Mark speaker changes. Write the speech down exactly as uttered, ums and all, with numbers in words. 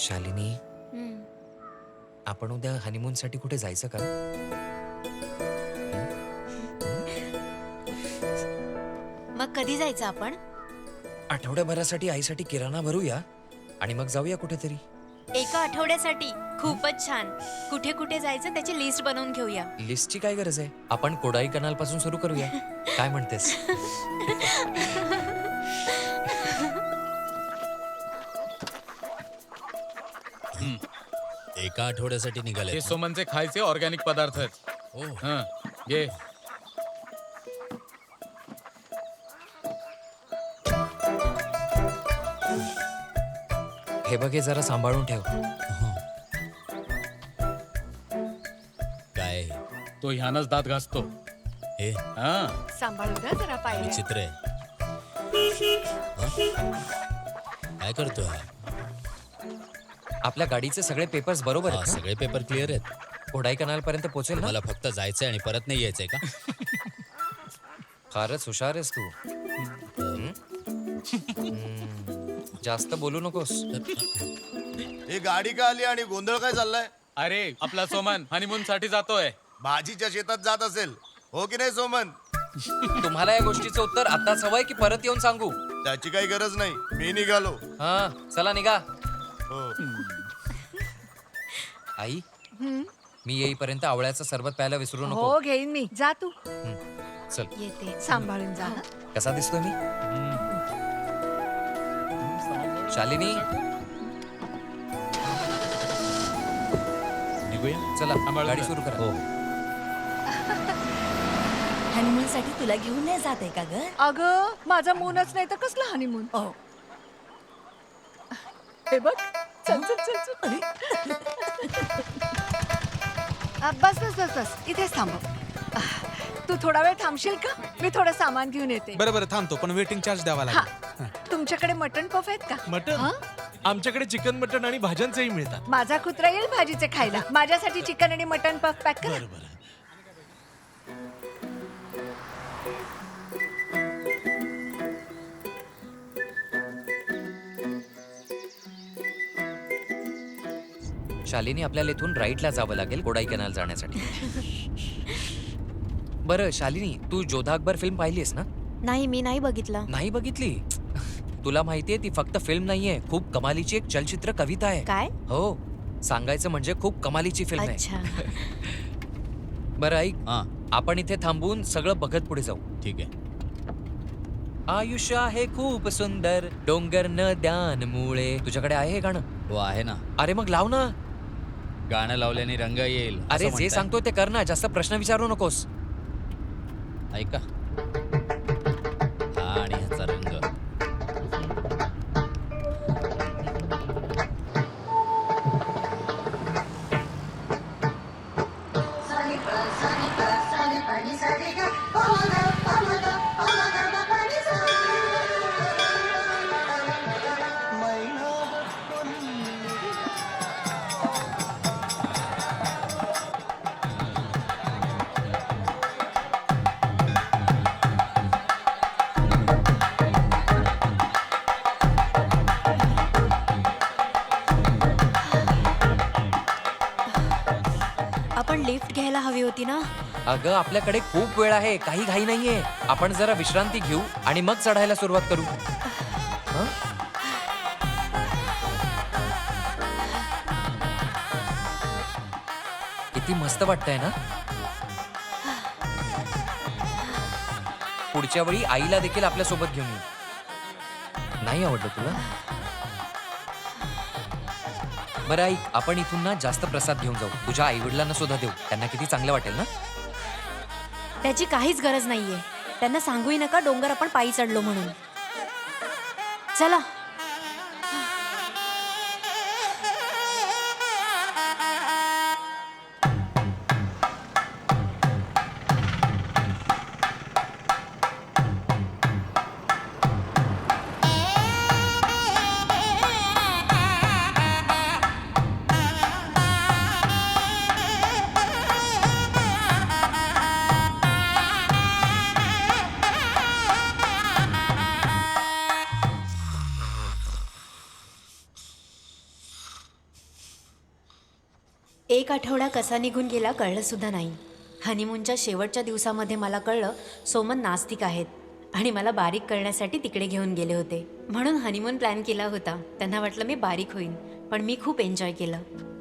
Speaker 1: शालिनी,
Speaker 2: हं.
Speaker 1: आपण उद्या हनीमून साठी कुठे जायचं का?
Speaker 2: मग कधी जायचं आपण?
Speaker 1: आठवड्याभरासाठी आईसाठी किराणा भरूया आणि मग जाऊया कुठेतरी.
Speaker 2: एका आठवड्यासाठी खूपच छान. कुठे कुठे जायचं त्याची लिस्ट बनवून घेऊया.
Speaker 1: लिस्टची काय गरज आहे? आपण कोडाई कनाल पासून सुरू करूया. काय म्हणतेस?
Speaker 3: एका आठवड्यासाठी
Speaker 4: हे
Speaker 3: निघाले
Speaker 4: सोमनचे खायचे ऑर्गॅनिक पदार्थ आहेत.
Speaker 3: हो
Speaker 4: हं, घे.
Speaker 1: हे बघ, हे जरा सांभाळून ठेव.
Speaker 3: काय
Speaker 4: तो ह्यानच दात घासतो.
Speaker 3: हे
Speaker 4: हा
Speaker 2: सांभाळू द्या जरा पाहिजे.
Speaker 3: विचित्र आहे. हं? काय करतोय हा?
Speaker 1: आपल्या गाडीचे सगळे पेपर्स बरोबर
Speaker 3: हा,
Speaker 1: आहेत ना?
Speaker 3: सगळे पेपर क्लिअर आहेत.
Speaker 1: कोडाई कनाल पर्यंत पोहोचेल ना?
Speaker 3: मला फक्त जायचंय आणि परत नाही यायचंय का?
Speaker 1: फारच हुशार आहेस तू. हं? हं. जास्त बोलू नकोस.
Speaker 5: ही गाडी का आली आणि गोंधळ काय चाललाय?
Speaker 4: अरे आपला सोमन हनीमून साठी जातोय.
Speaker 5: भाजीच्या शेतात जात असेल, हो की नाही सोमन?
Speaker 1: तुम्हाला या गोष्टीचं उत्तर आताच हवंय की परत येऊन सांगू?
Speaker 5: त्याची काही गरज नाही, मी निघालो.
Speaker 1: हा, चला निघा.
Speaker 5: हो.
Speaker 1: आई, मी येईपर्यंत आवळ्याचं सरबत प्यायला विसरू नको.
Speaker 6: हो घेईन मी. जा तू
Speaker 1: हं. चल.
Speaker 2: येते.
Speaker 6: सांभाळून जा.
Speaker 1: कसा दिसतोय मी? शालिनी,
Speaker 3: निघूया.
Speaker 1: चला
Speaker 4: सांभाळून
Speaker 1: गाडी
Speaker 4: जा.
Speaker 1: सुरू करा.
Speaker 3: हो
Speaker 7: हनीमून साठी तुला घेऊन नाही जाते का ग?
Speaker 6: अगं माझा मूनच नाही तर कसला हनीमून?
Speaker 7: हो.
Speaker 6: हे बघ, चल चल चल चल. अ, बस बस बस बस इथेच थांब. अ, तू थोडा वेळ थांबशील का? मी थोडं सामान घेऊन येते.
Speaker 8: बरं बरं थांबतो, पण वेटिंग चार्ज द्यावा
Speaker 6: हा,
Speaker 8: लागेल.
Speaker 6: तुमच्याकडे मटण पफ आहेत का?
Speaker 8: मटन
Speaker 6: हा?
Speaker 8: आमच्याकडे चिकन मटन आणि भाज्यांचेही मिळतात.
Speaker 6: माझा कुत्रा येईल भाजीचे खायला. माझ्यासाठी चिकन आणि मटण पफ पॅक करा.
Speaker 8: बरं बरं.
Speaker 1: शालिनी, आपल्याला इथून राईटला जावं लागेल कोडाई कनाल जाण्यासाठी. बरं शालिनी, तू जोधा अकबर फिल्म पाहिलीस ना?
Speaker 2: नाही, मी नाही बघितला.
Speaker 1: नाही बघितली? तुला माहितीये ती फक्त फिल्म नाहीये, खूप कमालीची एक चलचित्र कविता आहे.
Speaker 2: काय?
Speaker 1: हो, सांगायचं म्हणजे खूप कमालीची फिल्म आहे.
Speaker 2: अच्छा.
Speaker 1: बरं ऐक,
Speaker 3: हा
Speaker 1: आपण इथे थांबून सगळं बघत पुढे जाऊ.
Speaker 3: ठीक आहे.
Speaker 1: आयुष्य आहे खूप सुंदर, डोंगर नद्यांमुळे. तुझ्याकडे आहे हे गाणं?
Speaker 3: हो आहे ना.
Speaker 1: अरे मग लाव ना.
Speaker 3: गाणं लावल्याने रंग येईल असं
Speaker 1: अरे जे
Speaker 3: म्हणताय?
Speaker 1: सांगतोय ते कर ना, जास्त प्रश्न विचारू नकोस.
Speaker 3: ऐका. हा आणि ह्याचा रंग.
Speaker 2: आपण लिफ्ट घ्यायला हवी होती ना?
Speaker 1: अगं आपल्याकडे खूप वेळ आहे, काही घाई नाहीये. आपण जरा विश्रांती घेऊ आणि मग चढायला सुरुवात करू. हं? किती मस्त वाटतंय ना? पुढच्या वेळी आईला देखील आपल्या सोबत घेऊन येऊ. नाही आवडलं तुला? बरं आई, आपण इथून ना जास्त प्रसाद घेऊन जाऊ. तुझ्या आई वडिलांना सुद्धा देऊ, त्यांना किती चांगलं वाटेल ना.
Speaker 2: त्याची काहीच गरज नाहीये. त्यांना सांगूही नका डोंगर आपण पायी चढलो म्हणून. चला. एक आठवडा कसा निघून गेला कळलं सुद्धा नाही. हनीमूनच्या शेवटच्या दिवसामध्ये मला कळलं सोमन नास्तिक आहेत आणि मला बारीक करण्यासाठी तिकडे घेऊन गेले होते. म्हणून हनीमून प्लॅन केला होता. त्यांना वाटलं मी बारीक होईन, पण मी खूप एन्जॉय केलं.